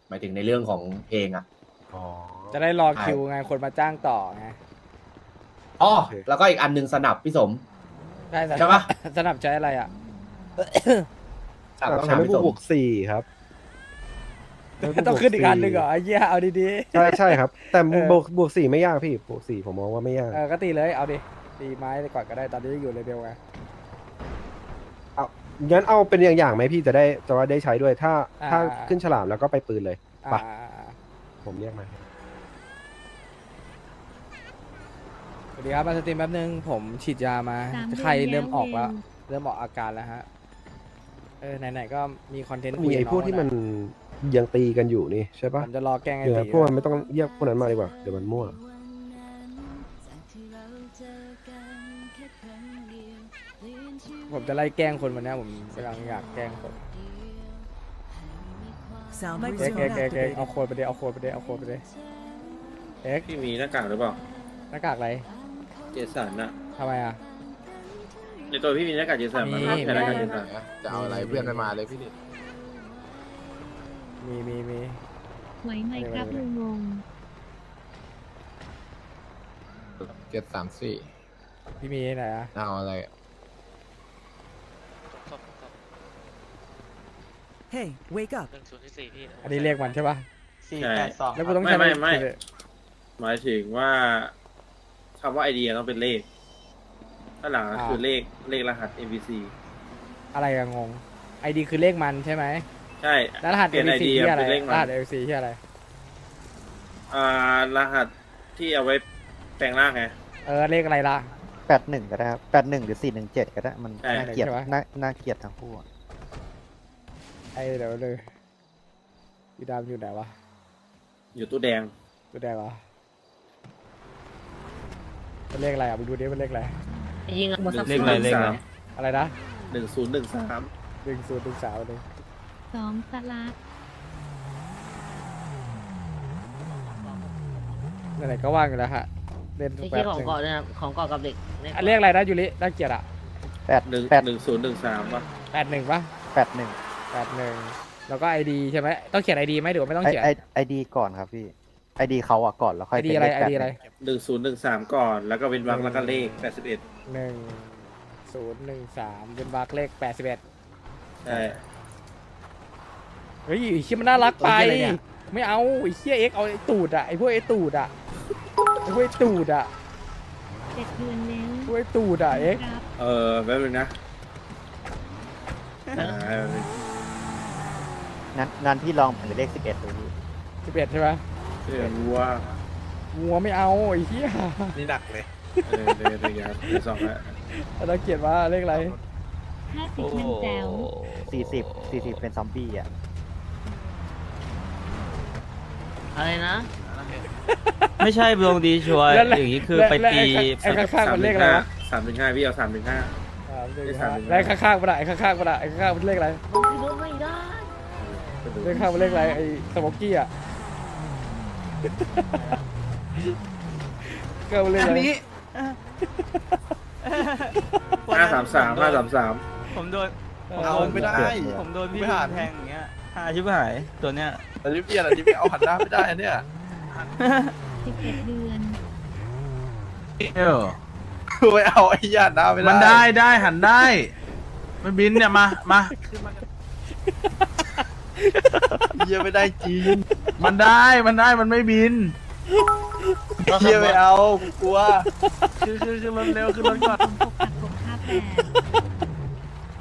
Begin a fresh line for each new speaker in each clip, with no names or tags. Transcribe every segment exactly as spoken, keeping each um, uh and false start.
หมายถึงในเรื่องของเพลงอ่ะ
อ๋อ
จะได้รอคิวไงคนมาจ้างต่อไง
อ๋อ
โอเค
แล้วก็อีกอันหนึงสนับพี่สม
ใช่
ใช่ปะ
สนับใช้อะไรอ่ะ
สนับต้อง
ใช้
ถาม
ไม่
พี่สม
บวกสี่ครับ
ต้องขึ้นอีกอันหนึ่งเหรอไอ้เหี้ยเอาดี
ใช่ใช่ครับ แต่
เออ
บวกบวกสี่ไม่ยากพี่บวกสี่ผมมองว่าไม่ยาก
ๆเออก็ตีเลยเอาดิตีไม้ไปก่อนก็ได้ตอนนี้ยังอยู่เลเวลไง
เอางั้นเอาเป็นอย่างอย่างๆไหมพี่จะได้จะว่าได้ใช้ด้วยถ้า
อ่า
ถ้าขึ้นฉลามแล้วก็ไปปืนเลย
อ่า
ไป ผมเรียกมา
สวัสดีครับมาสตรีมแป๊บนึงผมฉีดยามา
สามเดือน
ไข้เริ่ม
แล้ว
ออกแล้ว
เอง
เริ่มออกอาการแล้วฮะเออไหนๆก็มีคอนเทนต์
มีไอ้พวกที่มันยังตีกันอยู่นี่ใช่
ผ
ปะ
มจะรอแกล้งไอ้
เดี๋ยว
ตี
พวกมันไม่ต้องเรียกพวกนั้นมาดีกว่าเดี๋ยวมันมั่ว
ผมจะไล่แกล้งคนวันนี้ผมกำลังอยากแกล้งคน
Sound
เอ็ก
microphone
เอ็กเอ็กเอ็ก
activated.
เอาโคนไปเดเอาโคนไปเดเอาโคนไปเดเอ็ก
พี่มีหน้ากากหรือเปล่า
หน้ากากอะไร
เจสันอะ
ทำไมอ่ะ
ในตัวพี่มีหน้ากากเจสัน
มี
มั้ยใช่หน้ากากเจสัน
จะเอาอะไรเพื่อนไม่มาเลยพี่นิด
มีมีมี
ไหวไหมครับลุงงง
เจ็ดสามสี่
พี่มีไหนอ่ะ
เอาอะไร
Hey, wake up.
อันนี้เรียกมันใช่ป่ะ
ใช่
แล้วกูต้อง
ไม่
ใช้
ไม่ไม่
คือ
หมายถึงว่าคำว่าไอเดียต้องเป็นเลขถ้างหลังก็คือเลขเลขรหัส เอ็ม บี ซี
อะไรอะงงไอดีคือเลขมันใช่ไหม
ใช่
แล้วรหัส
เปลี่
เอย
น
ล
ไอ
ซี
เดีย
ที่อะไร
เป็นเลข
ร
มัน
หัสเอลซีที่อะไร
อ่ารหัสที่เอาไว้แปลงร่างไง
เออเลขอะไรล่ะ
แปดหนึ่งก็ได้ครับแปดหนึ่งหรือสี่หนึ่งเจ็ดก็ได้ มัน
ใช่
น่าเกลียด
ใช่ไหม
น่าน่าเกลียดทั้งคู่อะ
ไอเดี๋ยวเลยพี่ดำอยู่ไหนวะ
อยู่ตู้แดง
ตัวแดงเหรอมันเลขอะไรอ่ะมึงดูดิมันเลขอะไร
ยิง
เลขอะไรเลขอะไร
อะไรนะ
หนึ่งศูนย์หนึ่งสาม
หนึ่งศูนย์หนึ่งสามเลย
สองสลัด
ไหนๆก็ว่างอยู่แล้วฮะเล่น
ไอ้
แป๊
ที่
บ
ของ
นึง
เกาะด้วยนะของเกาะกับเด็กเนี่ย
อันเลขอะไรนะยูริน่าเกลียดอ่ะ
แปด
หนึ่ง
แปด
หนึ่งศูนย์หนึ่งสามป่ะ
แปดหนึ่งป่ะ
แปดหนึ่ง
แปดหนึ่งแล้วก็ไอดีใช่ไหมต้องเขียนไอดีไหมหรือว่าไม่ต้อง
ไอ
เขียน
ไอไอดีก่อนครับพี่ไอดีเขาอะก่อนแล้วค่
ไอ
อย
ดี
เป็น
อะไร
เลข
ไอ
แปด
ดีอะไร
หนึ่งศูนย์หนึ่งสามก่อนแล้วก็เป็นวรรคแล้วก็เลขแปดสิบเอ็ด
หนึ่งศูนย์หนึ่งสามเป็นบาร์เลขแปดสิบเอ็ด
ใช่
เฮ้ยไอ้เชี่ยมันน่ารักไป ไม่เอาไอ้เชี่ยเอ็กเอาไอ้ตูดอ่ะไอ้พวกไอ้ตูดอ่ะไอ้พวกไอ้ตูดอ่ะ
เจ็ดเดือนแล้ว
พวกไอ้ตูดอ่ะเอ็ก
ครับ
เออแป๊บนึงนะอ่าแป๊บนึง
นั้นนั้นพี่ลองเป็นเลขสิบเอ็ดดูพี่
สิบเอ็ดใช่ไหม
เดี๋ยวรู้ว่า
งัวไม่เอาไอ้เหี้ย
นี่หนักเลย
เออเดี๋ยวเดี๋ยวเดี๋ยวเดี๋ยวสองละ
เราเขียนว่าเลขอะไร
ห้าสิบมันแจ๋ว
สี่สิบสี่สิบเป็นซอมบี้อะ
อะไรนะ
ไม่ใช่ดวงดีชัวร์
แล้วแล้ว
อย่างนี้คือไป
แล้ว
ตี
ไอ้ข้างไอ้ข้างๆมันเลขอะไรวะ
สามถึงห้าพี่เอาสามถึงห้า
สามหนึ่ง
เลข
ห้า
สามหนึ่งห้า
แล้วข้างๆมันอะไอ้ข้างๆมันอะไอ้ข้างๆมันเลขอะไร
มันคือรู้ไม่ได้
เลขข้างมันเลขอะไรไอ้สโมกกี้อ่ะก็มันเลขอะไร
ห้าสามสามห้าสามสาม
ผมโดน
เอาไม่ได้
ผมโดนพี่
ไม่
ลุ
ผ่าน
งแทงอย่างเงี้ยหาชิบหายตัวเนี้ย
แต่ที่เพี้ยนอันนี้ไม่เอาหันหน้าไม่ได้อันเนี่ย
สิบเอ็ดเดือน
คือไม่เอาไอ้ญาติหน้าไม่ได้
มันได้ได้หันได้ มันบินเนี่ยมามา
เยี่ยไม่ได้จริง
มันได้มันได้มันไม่บิน
เยี่ยไม่เอากูกลัว
คือคือคือรถเร็วคือรถก่อน
หกกับหกห้าแปด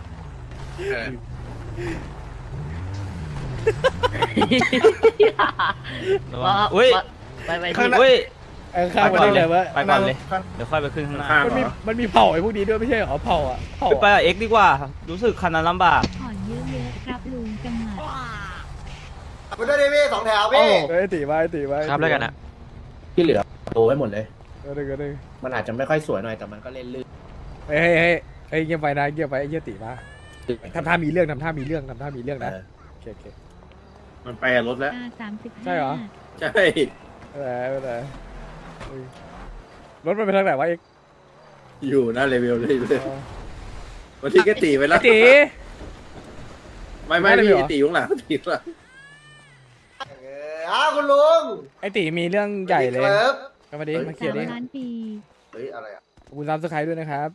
ว่า
อุ้ย
ไปไป
ข้าง
ที่
หน้าอุ้ย
ไอ้ข้างมันเลขอะไรวะ
ไปก่อนเลยเดี๋ยวค่อยไปขึ้นข้างหน้า
ข้าง
มัน
เหร
มี
อ
มันมีเผ่าไอ้พวกนี้ด้วยไม่ใช่เหรอเผ่าอ่ะเผ่า
ไป
อะ
กับเอ็กดีกว่า รู้สึกคันนั้นลำบาก
ผ่อนเยอะๆครับลุงจังหวัด
ไปด้วยดิพี่สองแถวพี่
เฮ้ยตีไว้ตีไว้
ครับแล้วกันอะ
ที่เหลือโตไว้หมดเลย
เออหนึ่งเออหนึ่ง
มันอาจจะไม่ค่อยสวยหน่อยแต่มันก็เล่นลื่น
เฮ้ยเฮ้ยเฮ้ยเฮ้ยเงียบไปนะเงียบไปไอ้เหี้ยตีมาทำท่ามีเรื่องทำท่ามีเรื่องทำท่ามีเรื่องนะ
เออ
โอเคโอเค
มันไปกับรถแล้ว
อ่าสามสิบห้า
ใช่เหรอ
ใช่
ไม่เป็นไรไม่เป็นไรเฮ้ยรถมันไปทางไหนวะเอ็ก
อยู่หน้าเลเวลเลยเลยวันที่แกตีไปแล้ว
ตี
ไม่ไม่
หน้าเลเวลเหรอ
พี่ตีอยู่ข้างหลังตีอยู่ข้างหลัง
เอออ้าวคุณลุง
ไอตีมีเรื่องใหญ่เลย
ครับ
ก็มาดิมาเคลียร์ดิ
สามล้านปี
เฮ้ยอะไรอ่ะ
ขอบคุณซับสไครต์ด้วยนะครับ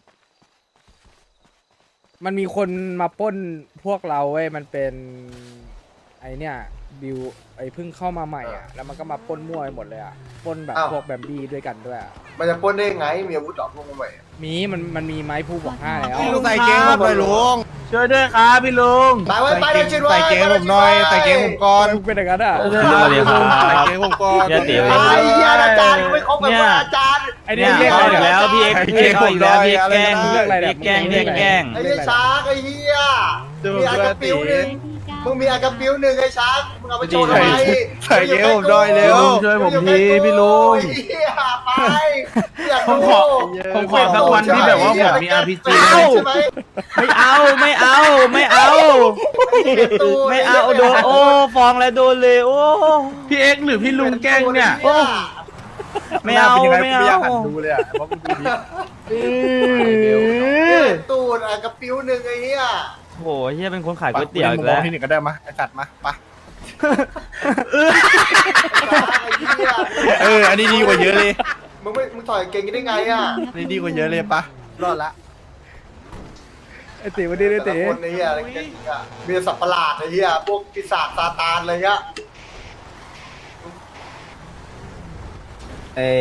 มันมีคนมาปล้นพวกเราเว้ยมันเป็นไอเนี่ยบิวไอเพิ่งเข้ามาใหม่อ่ะแล้วมันก็มาปล้นมั่วไปหมดเลยอ่ะปล้นแบบพวกแบมบี้ด้วยกันด้วยอะ
มันจะปล้นได้ไงมีอาวุธดอกพวกมันใหม่
มีมันมันมีไม้ผู้บอกห้าแล้ว
ใส่เกงผมหน่อยลุงช่วยด้วยครับพี่ลุง
ไปไว้ไปเลยชิดไว้
ใส่เกงผมหน่อยใส่เกงผมก่อน
เป็นอย่างนั้นอ่ะ
สวัสดีครับใส่เกงผมก่อน
ไอ้เหี้ยอาจารย์ไม่ครบกับอาจารย์
ไอเนี่ยเรียกอะไร
แล้วพี่เอ็กพี่เอ็กอีกแล้วพี่เอ็กแกล้ง
เรียกอะไรเนี่ย
แกล้งเรียกแกล้ง
ไอ้เหี้ยช้างไอ้เหี้ยมีอากระปิ้วหนึ่ง มึงมีอากระปิ้วหนึ่งไอ้ช้างมึงเอาไปโชว์ทำไม
ใส่เกงผมหน่อยเร็วช่วยผมทีพี่ลุง
เหี้ยไปอยาก
ผมขอผมขอสักวันที่แบบว่าผมมี อาร์ พี จี
ใช่ไหม
ไม่เอาไม่เอาไม่เอา ไม่เอาโดนโอ้ฟ้องแล้วโดนเลยโอ้
พี่เอ็กหรือพี่ลุงแกล้งเนี่ย
ไม่เอาไม่เอา
ดูเลยอ่ะเพราะมันดูดี
ตูดอากระปิ้วหนึ่งไอ้เหี้ย
โหเฮียเป็นคนขายก๋วยเตี๋ยวอีกแล้ว
ที่หนึ่งก็ได้มาไอ้สัตว์มาปะ
ไอ้เหี้ย
เอออันนี้ดีกว่าเยอะเลย
มึงไม่มึงถอยเก่งได้ไงอ่ะ
อันนี้ดีกว่าเยอะเลยปะรอดละ
ไอตีวันนี้ไอ
แต่
ตี
ละคนไอ้เหี้ยอะไรกันอ่ะมีแต่สัตว์ประหลาดไอ้เหี้ยพวกปีศาจซาตานอะไรเงี้ย
เอ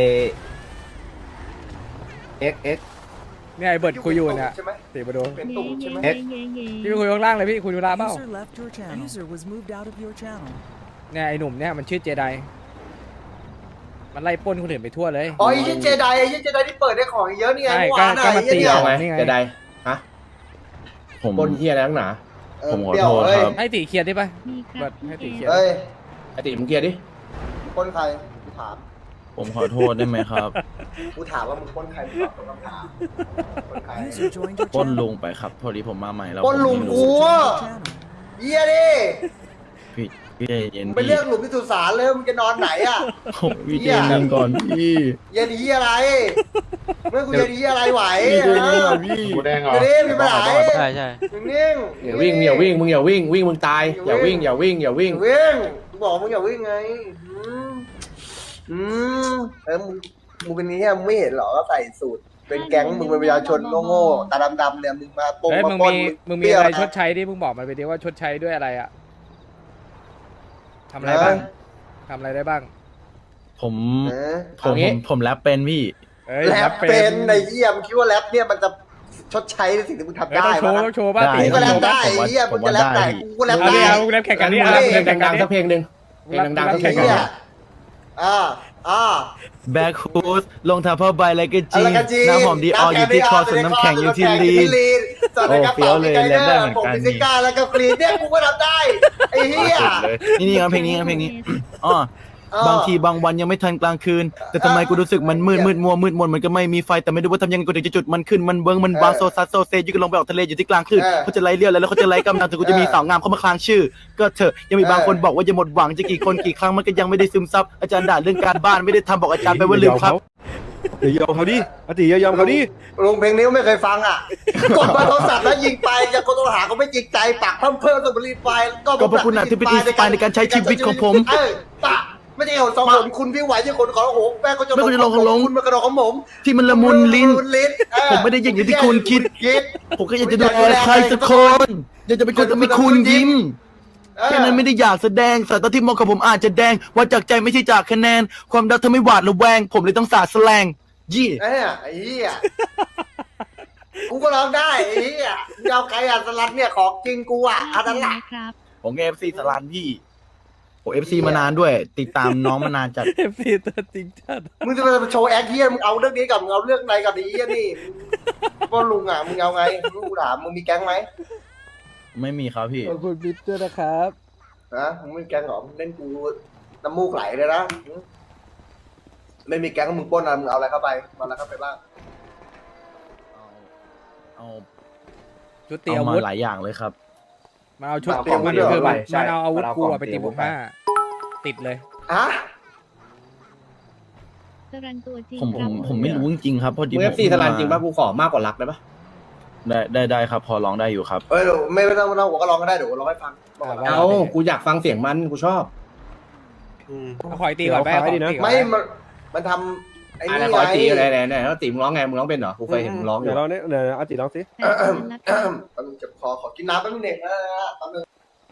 เอ็กเอ็ก
เนี่ยไอเบิร์ดคุยอยู่เนี่ย
ใช่ไหม
ตีมาดู
เป็น
เย่
ตูดใช่ไหม
เย่เย่เย่
พี่ไปคุยข้างล่างเลยพี่คุยดูราเปล่า
User left your channel. User was moved out of your channel.
เนี่ยไอหนุ่มเนี่ยมันชื่อเจไดมันไล่ปล้นคนอื่นไปทั่วเลย
อ๋อไอ้ยี่เจไดไอ้ยี่เจไดที่เปิดได้ของเยอะนี่ไง
ใช่
เมื่อวาน
ก็
อะ
ก็
ไอ้
มาตี
ยี่เนี่ย
เอาไหม
นี่ไง
จะได้ฮะ
ผม
บนเฮียอะไรนักหนา
เออ
ผมขอ
เปรี้ยว
โทษ
เอ้ย
ครับ
ให้ตีเคลียร์ได้ปะ
มีค
เบิ
รั
ร์
บ
ดให้ตี
พี่
เคลียร์
เอ้ย
ไอติมึงเกียร์ดิ
มึงปล้นใครกูถาม
ผมขอโทษได้ไหมครับ
กูถามว่ามึงปล้นใครมึงตอบคำถามปล้นใคร
User joined your
ปล้น
channel.
ลุงไปครับ พอดีผมมาใหม่แล้ว
ปล้นลุง
ผมไม่
กู
รู้
อะ
Channel.
เยี่ยดิ
พี่พี่ใจเย็น
มึงไปเลือกหลุมที่สุสานเลยมึงจะนอนไหนอ่ะ
ผมพี่ใจเย็นก่อนพี่
เย็นดีอะไรเมื่อกูเย็นดีอะไรไหว
พี่ใจ
เอ
เย็น
อ
ก่อนพี่
กูแดงเหรอ
เดี๋ยวนี้มีปัญหา
ใช่ใช่
นิ่ง
อย่าวิ่งอย่าวิ่งมึงอย่าวิ่งวิ่งมึงตายอย่าวิ่งอย่าวิ่งอย่าวิ่ง
อย่าวิ่งกูบอกมึงอย่าวิ่งไงอืมอืมเออมึงมึงเป็นนี้มึงไม่เห็นเหรอก็ใส่สูตรเป็นแก๊งมึงเป็นประชาชนโง่ๆตาดำๆเนี่ยมึงมาปง
เฮ้ย
มา
มึง
ปล้น
มีมึงมี
เปรี้ยว
อะไร
นะ
ชดใช้ดิมึงบอกมันไปดิว่าชดใช้ด้วยอะไรอะทำอะไรบ้างทำอะไรได้บ้าง
ผม
เออ
ผมผมผมแรปเป็นพี่
เอ้ย
แรปเป็นในเยี่ยมคิดว่าแรปเนี่ยมันจะชดใช้ในสิ่งที่มึงทำ
เอ้ย
ได้
ต้องโชว์
ปะ
ต้องโชว์ป่ะ
ได้
ตี
มึงก็แร
โช
ป
ว์ป่ะ
ได้ไอ้เยี่ยมึงจะแรปได้กูก็แรป
เอา
ได้
ดิเอาแรปแข่งกันดิ
งั้น
เอา
มึง
แรป
เพล
แข่
ง
งกัน
ดังๆสักเพลงหนึ่งเพลงดังๆสักเพลงหนึ่ง
อ่าอ่า
แบ็คฮูดลงเท้าผ้าใบอะไรกันจี
อะไรกันจี
น้ำหอมดีอออยู่ที่คอส่วนน้ำแข็งอยู่ที่ลีน
ส่วนในกระ
โอ้เฟี้ย
เป๋าว
เลย
มีไก
เล่นได้
เดอ
เหมือน
ร์ผม
กัน
มีซิก้าแล้วก็ฟรีเนี่ยกูก็ทำได้ไอ้เหี้ย
นี่นี่ครับเพลงนี้ครับเพลงนี้อ๋อ
เออ
บางทีบางวันยังไม่ทันกลางคืน แต่ทำไมกูรู้สึกมันมืดมืดมัวมืดมนมันก็ไม่มีไฟแต่ไม่รู้ว่าทำยังไงกูถึงจะจุดมันขึ้นมันเบิ้งมันวางโซซัสโซเซยูก็ลงไปออกทะเลอยู่ที่กลางคลื่น
เออ
เขาจะไล่เลี้ยวแล้วเขาจะไล่กำลังถึงกูจะมีสาวงามเข้ามาคลางชื่อ ก็เถอะยังมีบางคนบอกว่าจะหมดหวังจะกี่คนกี่ครั้งมันก็ยังไม่ได้ซึมซับอาจารย์ด่าเรื่องการบ้านไม่ได้ทำบอกอาจารย์ไปว่าลืมครับ
เดี๋ยวยอมเขาดิอติอย่ายอมเขาดิ
ลงเพลงนี้ไม่เคยฟังอ่ะ กดมาโทรศัพท์แล้วยิงไปจะกดโทรหาเขาไม่จริงใจปากเพิ่มเพิ่มสมุรีไฟก็
ก็เพราะคุณน่ะที่เป็น inspire ในการใช้ชีวิตของผม
เออปะไม่ใช่เอาสองคนคุณพี่ไหวที่คนขอโอ้โหแม่ก็จะ
แม่ก็จะลงของลง
คุณมากระโดดของผม
ที่มันละมุนลิ้น
ละมุลิ้นเออ
ผมไม่ได้อย่างที่คุณคิด
คิด
ผมก็อยากจะดูแลใครสักคนอยากจะเป็นคนทำให้คุณยิ้ม
เออ
แค่นั้นไม่ได้อยากแสดงสายตาที่มองกับผมอาจจะแดงว่าจากใจไม่ใช่จากคะแนน ความรักเธอไม่หวาดระแวง ผมเลยต้องสาดแสลงยี่
เอ้ยไอ้เหี้ยกูก็ร้องได้ไอ้เหี้ยมึงเอาใครอ่ะสลัดเนี่ยของจริงกูอ่ะอันนั้นแหละ
ครับ
ผมเอฟซีสลานพี่ผมเอฟซีมานานด้วย ติดตามน้องมานานจัด
เอฟซีตัวจริงจัด
มึงจะมาโชว์แอคเหี้ยมึงเอาเรื่องนี้กับมึงเอาเรื่องไหนกับไอ้เหี้ยนี่ว่าลุงอ่ะมึงเอาไงมึงกูถามมึงมีแก๊งไหม
ไม่มีครับพี่
ขอบคุณบิ๊กด้วยนะครับ
นะมึงไม่มีแก๊งหรอมึงเล่นกูน้ำมูกไหลเลยนะไม่มีแก๊งมึงปล้นอะไรมึงเอาอะไรเข้าไปเอาอะไรเข้าไปบ้าง
เอา
ชุดเตี
เอา
อา
มา
วุธ
หลายอย่างเลยครับ
มาเอาชุด
เอา
เตีย
ของ
มัน
เดียว
คือ
ไป
มันเอาอาวุธกูอะไปตีบุกห้าติดเลย
ฮะ
สรันตัวจริง
ผมผม
ครับ
ผมไม่รู้จริงๆครับพอดี
มึงเอฟซี
ผม
สลันจริงป่ะกูขอมากกว่ารักได้ป่ะ
ได้ได้ได้ครับ พอร้องได้อยู่ครับ
เอ้ยเดี๋ยวไม่ไม่ต้องไม่ต้องผมก็ร้องก็ได้เดี๋ยวผมร้องให้ฟังบอกก่อนนะ
เอากูอยากฟังเสียงมันกูชอบ
อืม
เอาขอยตีก่อนไป
เดี๋ยว
ขอ
ขอให้ดีนะ
ตีก่อน
ไม่มันมันทำไอ้
อะไร
นี่
ขอ
ไง
ตีอะไรไหนไหนแล้วตีมึงร้องไงมึงร้องเป็นเหรอกูเคยเห็นมึงร้องอ
เดี๋
ยู่
ยวเราเนี่ยเดี๋ยวอาติร้องสิ
แปดเดือนละครับ
แป๊บนึงเจ็บคอขอกินน้ำแป๊บนึงเด็กนะแป๊บนึง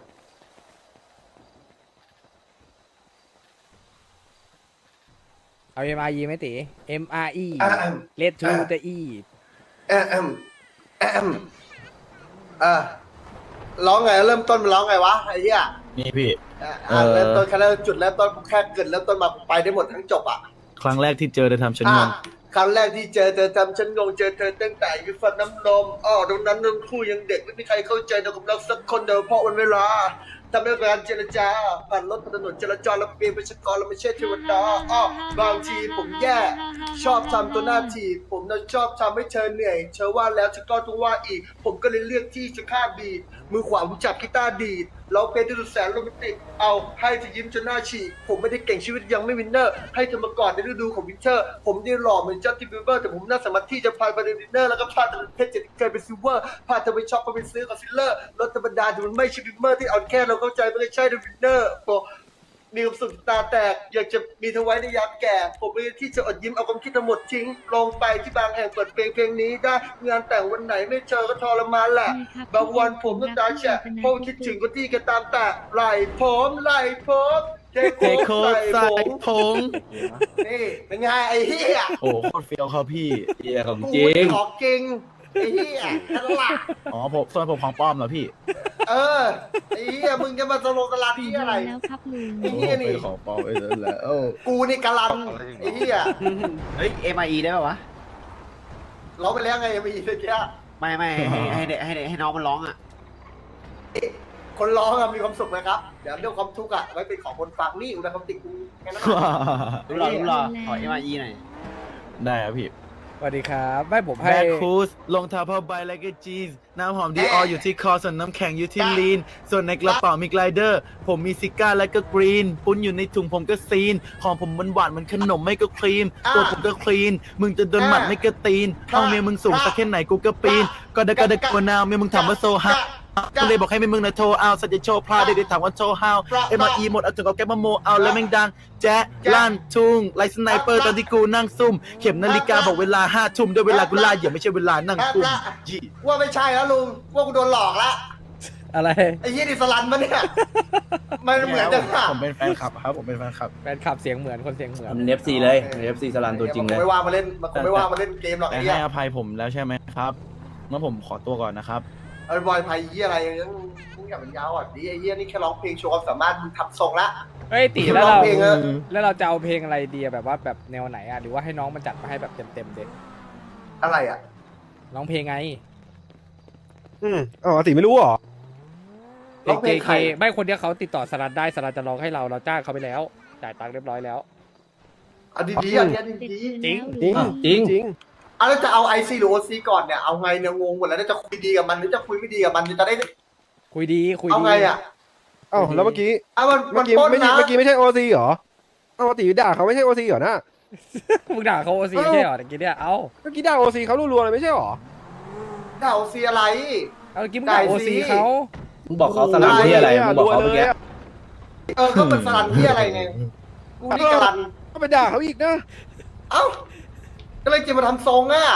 เอา เอ็ม อาร์ อี ไหมตี เอ็ม อาร์ อี
อ่ะอ่ะ
Let to the E
แอมแอมอ่ะร้องไงเริ่มต้นมันร้องไงวะไอ้เหี้ย
นี่พี่
อ่ะอ่ะเริ่มต้นแค่เริ่มจุดเริ่มต้นแค่เกิดเริ่มต้นมาไปได้หมดทั้งจบอ่ะ
ครั้งแรกที่เจอเธอทำฉันง
อ่ะ
ง
ครั้งแรกที่เจอเธอทำฉันงงเจอเธอตั้งแต่อยู่ฟันน้ำนมอ้อตรงนั้นทั้งคู่ยังเด็กไม่มีใครเข้าใจเธอกับเราสักคนเดียวเพราะวันเวลาทำให้การเจรจาผ่านรถผ่านถนนจราจรแล้วเปลี่ยนเป็นชกรเราไม่ใช่เทวดาอ้อบางทีผมแย่ ชอบทำตัวหน้าทีบผมน่ะชอบทำให้เธอเหนื่อยเธอว่าแล้วเธอก็ต้องว่าอีก ผมก็เลยเลือกที่จะฆ่าบีดมือขวาผมจับกีตาร์ดีดเราเป็นที่สุดแสนโรแมนติกเอาให้เธอยิ้มจนหน้าฉีกผมไม่ได้เก่งชีวิตยังไม่วินเนอร์ให้เธอมาก่อนในฤดูของวินเทอร์ผมได้หล่อเหมือนจัสตินบีเบอร์แต่ผมน่าสามารถที่จะพาไปดินเนอร์แล้วก็พาเธอเพชรจะเคยเป็นซิลเวอร์พาเธอไปช็อปไปซื้อคอนซีลเลอร์รถธรรมดาที่มันไม่ใช่บิมเมอร์ที่เอาแค่เราเข้าใจไม่ใช่ดิวินเนอร์มีความสุขตาแตกอยากจะมีเธอไว้ในยามแก่ผมเลยที่จะอดยิ้มเอาความคิดทั้งหมดทิ้งลงไปที่บางแห่งเปิดเพลงเพลงนี้ได้งานแต่งวันไหนไม่เจอก็ทรมานแหละบางวันผมก็ตาแฉะเพราะคิดถึงคนที่กันตามแต่ไหลผมไหลผมเท
เทโค
โค
ใส่
ใส่ผม
ผง
นี่เป็นไงไอ้เหี้ย
โอ้โหโคตรเฟี้ยวครับพี่
เฮียของ
กู
จริง
ของจริงไอ้เหี้ยนั่นแหละ
อ๋อผมส่วนผมของปลอมเหรอพี่
เออไอ้เหี้ยมึงจะมาสโลกะลา
สี่
ที่
เดือ
อะไร
นแล้วครับลุง
ไอ้เหี้ยนี่
เป็นของปลอมไอ้นั่นแหละ
กูนี่กะลันไอ้เหี้ย
เฮ้ย เอ็ม ไอ อี ได้ป่าวะ
ร้องไปแล้วไงยังมีอีกเมื่อกี้
ไม่ไม่ให้ให้ให้ให้ให้น้องมันร้องอ่ะ
คนร้องอะมีความสุขไหมครับเดี๋ยวเรื่องความทุกข์อะไว้เป็นของคนฟังนี่อุณหภูมิติกูแค่นั้น
รู้หรอรู้หรอขอ เอ็ม ไอ อี หน่อย
ได้ครับพี่
สวัสดีครับไม่ผมให้
แบคคูสรองเท้าผ้าใบและก็จีนน้ำหอมดีอออยู่ที่คอส่วนน้ำแข็งอยู่ที่ลีน ส่วนในกระเป๋ามีไกลเดอร์ ผมมีซิก้าและก็กรีน ปุ้นอยู่ในถุงผมก็ซีน ของผมมันหวานมันขนมไม่ก็ครีม ตัวผมก็คลีน มึงจะโดนหมัดไม่ก็ตีนห้องเมียมึงสูงสักแค่ไหนกูก็ปีน ก็ได้ก็ได้กว่านาวเมียมึงถามว่าโซฮาก็เลยบอกให้เมียมึงนะโทรเอาสัจจะโชว์พลาดได้ได้ถามว่าโชว์ฮาวเอ็มอีหมดเอาถึงเอาแก๊ปมาโมเอาแล้วแม่งดังแจ๊ะลั่นทุ่งไลท์สไนเปอร์ตอนที่กูนั่งซุ่มเข็มนาฬิกาบอกเวลาห้าทุ่มด้วยเวลากูล่าอย่าไม่ใช่เวลานั่งกุ่มยี่
ว่าไม่ใช่แล้วลุงว่ากูโดนหลอกละ
อะไร
ไอ้เหี้ยดิสลันมันเนี่ยมันเหมือนจังอะ
ผมเป็นแฟนคลับครับผมเป็นแฟนคลับ
แฟนคลับเสียงเหมือนคนเสียงเหมือน
มันเอฟซีเลยเอฟซีสลันตัวจริงเลย
มันคงไม่ว่างมาเล่นมันคงไม่ว่างมาเล่นเกมหรอก
แต่
ไอ้
ให้
เหี้ย
อภัยผมแล้วใช่ไหมครับงั้นผมขอตัวก่อนนะครับ
ไอ้บอยไพเหี้ยอะไรอย่างเงี้ยมึงอย่ามันยาวอ่ะดิไอ้เหี้ยนี่แค่ร้องเพลงโชว์ความสามารถมึงทำทรงละ
เฮ้ยตีแล้วเรา
ร้องเพลงอะ
แล้วเราจะเอาเพลงอะไรดีอะแบบว่าแบบแนวไหนอะหรือว่าให้น้องมันจัดมาให้แบบเต็มๆเด็ก
อะไรอ่ะ
ร้องเพลงไง
อืมอ๋ออาติไม่รู้เหรอ
เพลง เค ไม่คนเดียวเขาติดต่อสลัดได้สลัดจะร้องให้เราเราจ้างเขาไปแล้วจ่ายตังค์เรียบร้อยแล้ว
เอาดีๆอันเนี้ย
เจ็ด
ดี
เดือน
จริง
แล้วลุง
จริง
จริง
ๆอ่ะแล้วจะเอาไอซีหรือโอซีก่อนเนี่ยเอาไงเนี่ยงงหมดแล้วจะคุยดีกับมันหรือจะคุยไม่ดีกับมันจะได้
คุยดีคุย
เอา
ดี
ไงอ่ะ
เอ้าแล้วเมื่อกี้
อ่ะมันมั
เมื่
น
อกี้
ปล้น
ไม่ใช่
นะ
เมื่อกี้ไม่ใช่โอซีเหรอเอ้าอาติด่าเขาไม่ใช่โอซีเหรอนะ
มึงด่าเขาโอซี
เอ้า
ใช่เหรอตะกี้เนี่ยเอ้า
เมื่อกี้ด่าโอซีเขารัวๆเลยไม่ใช่เหรอ
ด่าโอซีอะไร
เอาเมื่อกี้มึงด่า
ได้
โอ
สิ
ซีเขา
มึงบอกเขาสลันที่อะไรมึงบอกเขาเมื่อกี้
เออก็เป็นสลันที่อะไรไงกูนี่กะลัน
ก็ไปด่าเขาอีกนะ
เอ้าก็เลยจะมาทำทรงอ่ะ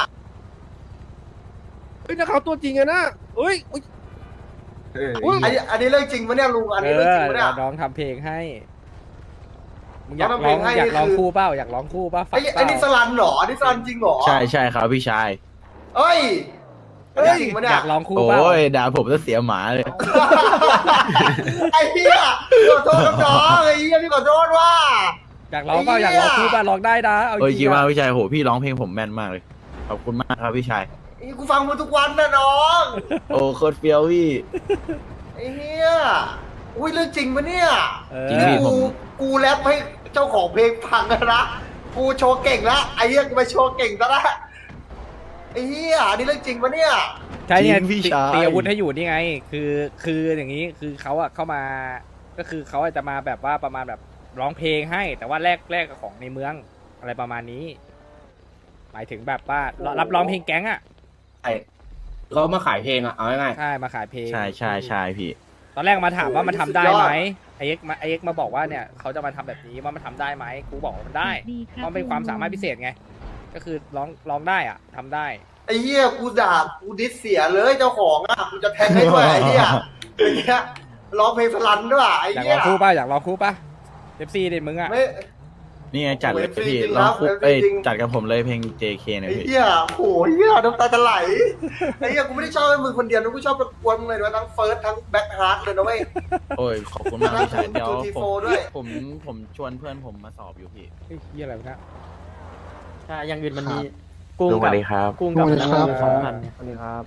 เฮ้ยนักข่าวตัวจริงอะนะเฮ้ยอุ๊ย อุ๊ย
อันนี้อันนี้เรื่องจริงปะเนี่ยลุงอัน
เอ
นี้เรื่องจริง
อ
ปะเนี่ย
เดี๋ยวน้องทำเพลงให้มึงอยาก
น้องทำ
ร้อง
เพลงให้
อยากร้อง
คือ
คู่เปล่าอยากร้องคู่เปล่าฝาก
ไอ้
เป
ไอ้นี่ส
ล่า
ลันเหรออันนี้สลันจริงเหรอ
ใช่ใช่ครับพี่ชาย
เอ้ย
เฮ้ย
จริงปะ
อ
เนี่ย
ยากร้องคู่
โอ
เปล่า
้ยด่าผมจะเสียหมาเลย
ไอ้เหี้ยขอโทษน้องๆไอ้เหี้ยพี่ขอโทษว่า
อยากร้องเปล่า
ไอ้
อยาก
เหี้ย
ร้องคู่เปล่าร้องได้นะเอาจ
โอ้ย
ริ
คิด
ง
ว่า
อะ
พี่ชายโหพี่ร้องเพลงผมแม่นมากเลย ขอบคุณมากครับพี่ชาย
ไอ้กูฟังมึงทุกวันนะน้อง
โอ้โคตรเฟี้ยวพี่
ไอ้เหี้ยอุ้ยเรื่องจริงปะเนี่ย
เออ
จริงพี่
กูกูแรปให้เจ้าของเพลงฟังแล้วนะกูโชว์เก่งละไอ้เหี้ยกูไปโชว์เก่งซะละไอ้เหี้ยอันนี้เรื่องจริงปะเนี่ย
ใช่เนี่ย
จริงพี่
ตี
ชาย
ตีอาวุธให้อยู่นี่ไง คือคืออย่างนี้คือเขาอะเข้ามาก็คือเขาอาจจะมาแบบว่าประมาณแบบร้องเพลงให้ แต่ว่าแลกแลกกับของในเมืองอะไรประมาณนี้ หมายถึงแบบว่ารับร้องเพลงแก๊งอะ
ไอ้เขามาขายเพลงอ่ะเอาง่าย
ใช่มาขายเพลง
ใช่ใช่ใช่พี่
ตอนแรกมาถามว่ามันทำได้ไหมไอเอ็กมาไอเอ็กมาบอกว่าเนี่ยเขาจะมาทำแบบนี้ว่ามันทำได้ไหมกูบอกว่ามันได้
ดีค
เพ
รับ
ราะมันเป็นความสามารถพิเศษไง ก็คือร้องร้องได้อ่ะทำได้
ไอ้เหี้ยกูด่ากูดิสเสียเลยเจ้าของอ่ะกูจะแทงให้ด้วยไอ้เหี้ยไอ้เหี้ยร้องเพลงสลันด้วยไอ้
อยาก
เหี้
ล
ย
องคู่ป่ะอยากลองคู่ป่ะเอฟซีเด็มึงอ่ะ
ไม่
นี่ไงจัดเลย
โอ้ย
พี่
จริงๆ
ลองคุก
ครับ
เอ้ย
จริงๆ
จัดกับผมเลยเพลง เจ เค เนี่
ไอ้
ยพี่
เหี้ยโหเหี้ยน้ำตาจะไหลไอ้เหี้ยกูไม่ได้ชอบให้มึงคนเดียวนะกูชอบประกวนมึงเลยนะทั้งเฟิร์สทั้งแบ็คฮาร์ดเลยนะเว้ย
โอ้ยขอบคุณมากพี่ชายเดี๋ยว
ทูที
ผ
โฟ
ม
ด้วย
ผมผมชวนเพื่อนผมมาสอบอยู่พี่
เฮ้ยเหี้ยอะไรวะเนะ
ใช่อย่างอื่นมันมีกุ้ง
สวั
กับ
สดีครับ
กุ้งกับ
สวัสดีครับ
สองพัน
สวัสดีครับ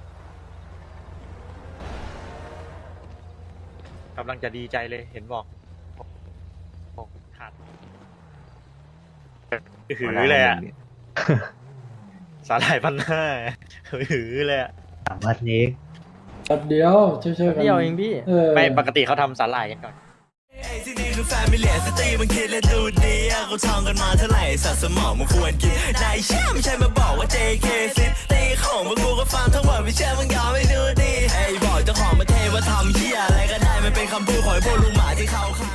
กำลังจะดีใจเลยเห็นบอกขาดหือเลยอ่ะสาหร่ายพันห้าหือเลยอ่ะ
วันนี้แป๊บเดียวช่วยๆกัน
เดียวเองพี่
เออ
ไม่ปกติเขาทำสาหร่ายกันก่อน
ที่นี่คือแฟมิเลียสตรีมันคิดและดูดีเขาท่องกันมาเท่าไหร่สัตว์สมองมันควรกินนายเชื่อไม่ใช่มาบอกว่า เจ เค ซิตีของพวกกูก็ฟังทั้งหมดไม่เชื่อมึงยอมไม่ดูดีไอ้บอกเจ้าของประเทศว่าทำเหี้ยอะไรก็ได้มันเป็นคำพูดของไอ้พวกลุงหมาที่เขาขาย